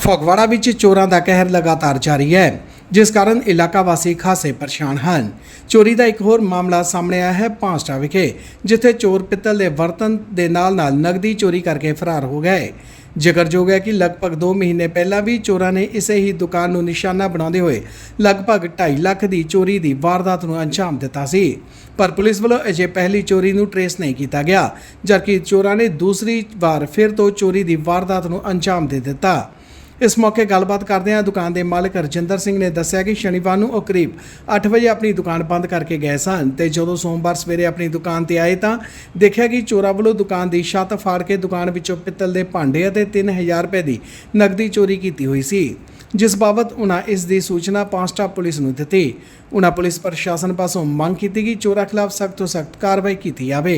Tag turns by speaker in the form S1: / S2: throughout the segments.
S1: ਫਗਵਾੜਾ ਵਿੱਚ ਚੋਰਾਂ ਦਾ ਕਹਿਰ ਲਗਾਤਾਰ ਜਾਰੀ ਹੈ, ਜਿਸ ਕਾਰਨ ਇਲਾਕਾ ਵਾਸੀ ਖਾਸੇ ਪਰੇਸ਼ਾਨ ਹਨ। ਚੋਰੀ ਦਾ ਇੱਕ ਹੋਰ ਮਾਮਲਾ ਸਾਹਮਣੇ ਆਇਆ ਹੈ ਪਾਂਸਟਾ ਵਿਖੇ, ਜਿੱਥੇ ਚੋਰ ਪਿੱਤਲ ਦੇ ਬਰਤਨ ਦੇ ਨਾਲ ਨਗਦੀ ਚੋਰੀ ਕਰਕੇ ਫਰਾਰ ਹੋ ਗਏ। ਜ਼ਿਕਰਯੋਗ ਹੈ ਕਿ ਲਗਭਗ 2 ਮਹੀਨੇ ਪਹਿਲਾਂ ਵੀ ਚੋਰਾਂ ਨੇ ਇਸੇ ਹੀ ਦੁਕਾਨ ਨੂੰ ਨਿਸ਼ਾਨਾ ਬਣਾਉਂਦੇ ਹੋਏ ਲਗਭਗ 2.5 ਲੱਖ ਦੀ ਚੋਰੀ ਦੀ ਵਾਰਦਾਤ ਨੂੰ ਅੰਜਾਮ ਦਿੱਤਾ ਸੀ, ਪਰ ਪੁਲਿਸ ਵੱਲੋਂ ਅਜੇ ਪਹਿਲੀ ਚੋਰੀ ਨੂੰ ਟਰੇਸ ਨਹੀਂ ਕੀਤਾ ਗਿਆ, ਜਦਕਿ ਚੋਰਾਂ ਨੇ ਦੂਸਰੀ ਵਾਰ ਫਿਰ ਤੋਂ ਚੋਰੀ ਦੀ ਵਾਰਦਾਤ ਨੂੰ ਅੰਜਾਮ ਦੇ ਦਿੱਤਾ। इस मौके गलबात करदे दुकान के मालिक रजिंदर सिंह ने दस्सिया कि शनिवार को करीब 8 बजे अपनी दुकान बंद करके गए सन ते जदों सोमवार सवेरे अपनी दुकान ते आए तो देखा कि चोरां वालों दुकान की छत फाड़ के दुकान विचों पित्तल के भांडे और 3000 रुपए की नकदी चोरी की हुई सी, जिस बाबत उन्हें इस दी सूचना पांसटा पुलिस नूं दित्ती। उन्हें पुलिस प्रशासन पासों मंग की कि चोरां खिलाफ सख्त तो सख्त कार्रवाई की जाए।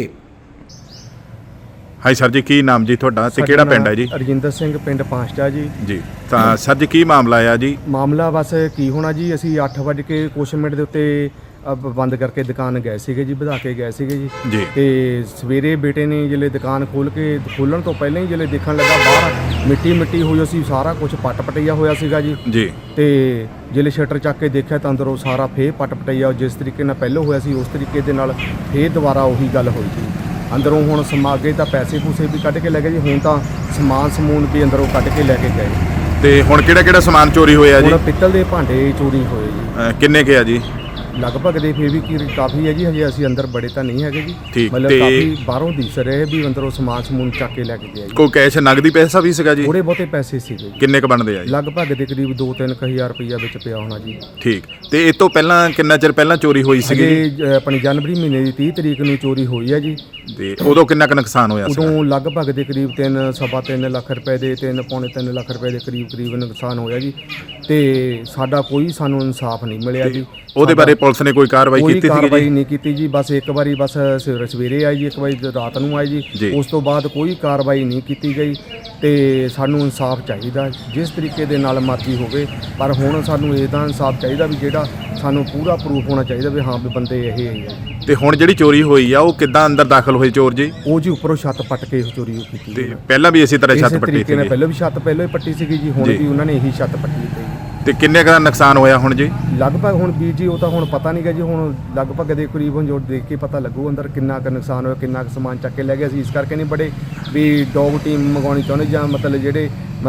S2: हाई सर जी, की नाम जी थोड़ा ते केड़ा पिंड है जी?
S3: रजिंदर सिंह पिंड पांसटा जी।
S2: जी तो सर जी की मामला है जी?
S3: मामला बस की होना जी, असी 8 बज के कुछ मिनट के उत्ते बंद करके दुकान गए सीगे जी, बधा के गए सीगे जी। ते सवेरे बेटे ने जिले दुकान खोलन तो पहले ही जिले देखने लगा बाहर मिट्टी हुई सी, सारा कुछ पट पटैया होया सीगा जी। ते जिले शटर चक के देखा तो अंदरों सारा फिर पट पटैया जिस तरीके नाल पहले होया सी उस तरीके दे नाल फिर दोबारा उही गल होई जी। अंदरों हुण समागे तो पैसे पूसे भी कढ़ के ले गए जी, हुण तां समान भी अंदरों कढ़ के लैके गए।
S2: ते हुण किहड़ा समान चोरी होया जी?
S3: हुण पित्तल दे भांडे चोरी होए जी।
S2: किन्ने के आ जी?
S3: लगभग दे फिर भी काफ़ी है जी, हजे असीं अंदर बड़े तो नहीं है जी, मतलब
S2: ते
S3: काफ़ी बाहरों दिस रहे भी अंदरों समान चक के लैके गए।
S2: कोई कैश नगदी पैसा भी सीगा जी?
S3: थोड़े बहुते पैसे सीगे जी।
S2: किन्ने क बनदे आ जी?
S3: लगभग दे करीब 2-3 हज़ार रुपया विच पिया होना जी।
S2: ठीक, ते इस तो पहलां किन्ना चिर पहलां चोरी होई सीगी?
S3: अपनी जनवरी महीने की 30 तरीक नूं चोरी हुई है जी।
S2: ते उदों किन्ना क नुकसान होया सी?
S3: उदों लगभग दे करीब 3-3.5 लाख रुपए दे 3-3.5 लाख रुपए दे करीब नुकसान होया जी। ते साडा कोई सानूं इंसाफ नहीं मिलिया जी।
S2: ਉਹਦੇ ਬਾਰੇ ਪੁਲਿਸ ਨੇ ਕੋਈ ਕਾਰਵਾਈ ਕੀਤੀ ਸੀ?
S3: ਕਾਰਵਾਈ ਨਹੀਂ ਕੀਤੀ ਜੀ, ਬਸ ਇੱਕ ਵਾਰੀ ਬਸ ਸਵੇਰੇ ਆਈ ਜੀ, ਇੱਕ ਵਾਰੀ ਰਾਤ ਨੂੰ ਆਈ ਜੀ, ਉਸ ਤੋਂ ਬਾਅਦ ਕੋਈ ਕਾਰਵਾਈ ਨਹੀਂ ਕੀਤੀ ਗਈ। ਤੇ ਸਾਨੂੰ ਇਨਸਾਫ ਚਾਹੀਦਾ ਜਿਸ ਤਰੀਕੇ ਦੇ ਨਾਲ ਮਰਜ਼ੀ ਹੋਵੇ, ਪਰ ਹੁਣ ਸਾਨੂੰ ਇਹਦਾ ਇਨਸਾਫ ਚਾਹੀਦਾ ਵੀ ਜਿਹੜਾ ਸਾਨੂੰ ਪੂਰਾ ਪ੍ਰੂਫ ਹੋਣਾ ਚਾਹੀਦਾ ਵੀ ਹਾਂ ਵੀ ਬੰਦੇ ਇਹ ਹੈ।
S2: ਤੇ ਹੁਣ ਜਿਹੜੀ ਚੋਰੀ ਹੋਈ ਆ ਉਹ ਕਿੱਦਾਂ ਅੰਦਰ ਦਾਖਲ ਹੋਏ ਚੋਰ ਜੀ?
S3: ਉਹ ਜੀ ਉੱਪਰੋਂ ਛੱਤ ਪੱਟ ਕੇ ਚੋਰੀ ਕੀਤੀ।
S2: ਤੇ ਪਹਿਲਾਂ ਵੀ ਇਸੇ ਤਰ੍ਹਾਂ ਛੱਤ ਪੱਟੀ ਸੀ?
S3: ਪਹਿਲਾਂ ਵੀ ਛੱਤ ਪਹਿਲਾਂ ਹੀ ਪੱਟੀ ਸੀਗੀ ਜੀ, ਹੁਣ ਵੀ ਉਹਨਾਂ ਨੇ ਇਹੀ ਛੱਤ ਪੱਟੀ ਸੀ।
S2: ਤੇ ਕਿੰਨੇ ਦਾ ਨੁਕਸਾਨ ਹੋਇਆ ਹੁਣ ਜੀ?
S3: ਲਗਭਗ ਹੁਣ ਵੀਰ ਜੀ ਉਹ ਤਾਂ ਹੁਣ ਪਤਾ ਨਹੀਂ ਗਾ ਜੀ, ਹੁਣ ਲਗਭਗ ਦੇ ਕਰੀਬ ਹੁਣ ਜੋ ਦੇਖ ਕੇ ਪਤਾ ਲੱਗੂ ਅੰਦਰ ਕਿੰਨਾ ਕੁ ਨੁਕਸਾਨ ਹੋਇਆ, ਕਿੰਨਾ ਕੁ ਸਮਾਨ ਚੱਕ ਕੇ ਲੈ ਗਏ। ਅਸੀਂ ਇਸ ਕਰਕੇ ਨਹੀਂ ਬੜੇ ਵੀ ਡੌਗ ਟੀਮ ਮੰਗਵਾਉਣੀ ਚਾਹੁੰਦੇ ਜਾਂ ਮਤਲਬ ਜਿਹੜੇ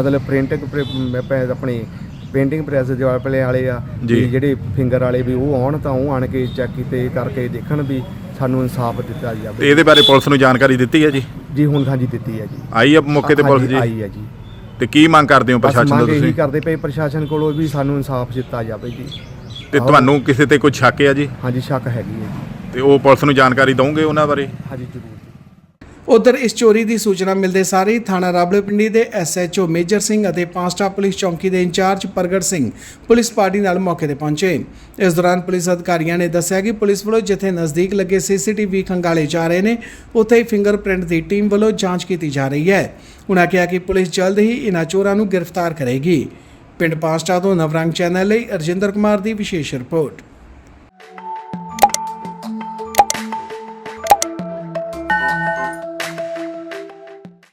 S3: ਆਪਣੀ ਪੇਂਟਿੰਗ ਪ੍ਰੈਸ ਦੇ ਵਾਲੇ ਆ ਜਿਹੜੇ ਫਿੰਗਰ ਵਾਲੇ ਵੀ ਉਹ ਆਉਣ ਤਾਂ ਉਹ ਆਣ ਕੇ ਚੈੱਕ ਕੀਤੇ ਕਰਕੇ ਦੇਖਣ ਵੀ ਸਾਨੂੰ ਇਨਸਾਫ ਦਿੱਤਾ ਜਾਵੇ।
S2: ਤੇ ਇਹਦੇ ਬਾਰੇ ਪੁਲਿਸ ਨੂੰ ਜਾਣਕਾਰੀ ਦਿੱਤੀ ਹੈ ਜੀ?
S3: ਜੀ ਹੁਣ ਹਾਂਜੀ ਦਿੱਤੀ ਹੈ ਜੀ।
S2: ਆਈ ਆ ਮੌਕੇ ਤੇ ਪੁਲਿਸ ਜੀ?
S3: ਆਈ ਹੈ ਜੀ।
S2: ਤੇ ਕੀ ਮੰਗ ਕਰਦੇ ਹੋ ਪ੍ਰਸ਼ਾਸਨ ਤੋਂ ਤੁਸੀਂ?
S3: ਇਹੀ ਕਰਦੇ ਪਏ ਪ੍ਰਸ਼ਾਸਨ ਕੋਲੋਂ ਵੀ ਸਾਨੂੰ ਇਨਸਾਫ ਦਿੱਤਾ ਜਾਵੇ ਜੀ।
S2: ਤੇ ਤੁਹਾਨੂੰ ਕਿਸੇ ਤੇ ਕੋਈ ਸ਼ੱਕ ਹੈ ਜੀ?
S3: ਹਾਂਜੀ ਸ਼ੱਕ ਹੈਗੀ ਹੈ ਜੀ।
S2: ਤੇ ਉਹ ਪੁਲਿਸ ਨੂੰ ਜਾਣਕਾਰੀ ਦਵੋਗੇ ਉਹਨਾਂ ਬਾਰੇ?
S3: ਹਾਂਜੀ ਜ਼ਰੂਰ।
S1: उधर इस चोरी की सूचना मिलते सारे ही थाना रावलपिंडी के SHO मेजर सिंह और पांसटा पुलिस चौकी के इंचार्ज प्रगट सिंह पुलिस पार्टी नाल मौके पर पहुंचे। इस दौरान पुलिस अधिकारियों ने दस्सिया कि पुलिस वालों जिथे नज़दीक लगे CCTV खंगाले जा रहे हैं, उत्थे ही फिंगरप्रिंट की टीम वालों जांच की जा रही है। उन्होंने कहा कि पुलिस जल्द ही इन्हां चोरां नूं गिरफ्तार करेगी। पिंड पांसटा तो नवरंग चैनल लई रजिंदर कुमार की विशेष रिपोर्ट।